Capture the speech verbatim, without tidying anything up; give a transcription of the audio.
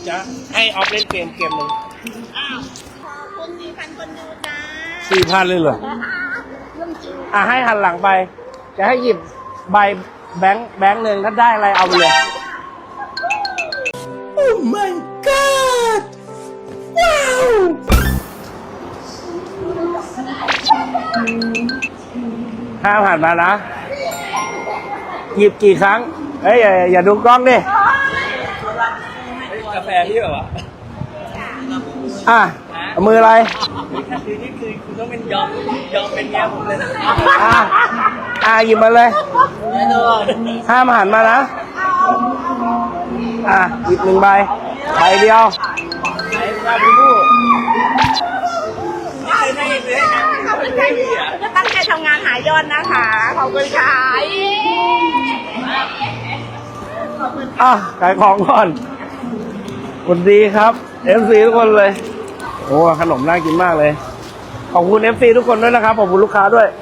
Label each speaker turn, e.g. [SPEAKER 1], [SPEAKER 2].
[SPEAKER 1] จะให้ออฟเล่นเกมเกมหนึ่ง
[SPEAKER 2] อ้าวขอบคุณสี่พันคนดูจ้า
[SPEAKER 1] สี่พันเลยเหรออ่ะให้หันหลังไป จะให้หยิบใบแบงค์แบงค์หนึ่งถ้าได้อะไรเอาไปเลย โอ้ my god ว้าวห้ามหันมานะ หยิบกี่ครั้งเอ้ยอย่าอย่าดูกล้องดิกาแฟพี่เหรออ่ะมืออะไรคือนี่คือคุณต้องเป็นยอมยอมเป็นเมียผมเลยนะอ่ะอ่ะหยิบมาเลยห้ามหันมานะอ่ะหยิบหนึ่งใบใบเดียวใบใบผู้ไม่เคยได้เลยนะขอบคุณค่ะจะตั้งใจทำงานหายอดนะคะขอบคุณค่ะอ่ะขายของก่อนสวัสดีครับ เอฟ ซี ทุกคนเลยโอ้ขนมน่ากินมากเลยขอบคุณ เอฟ ซี ทุกคนด้วยนะครับขอบคุณลูกค้าด้วย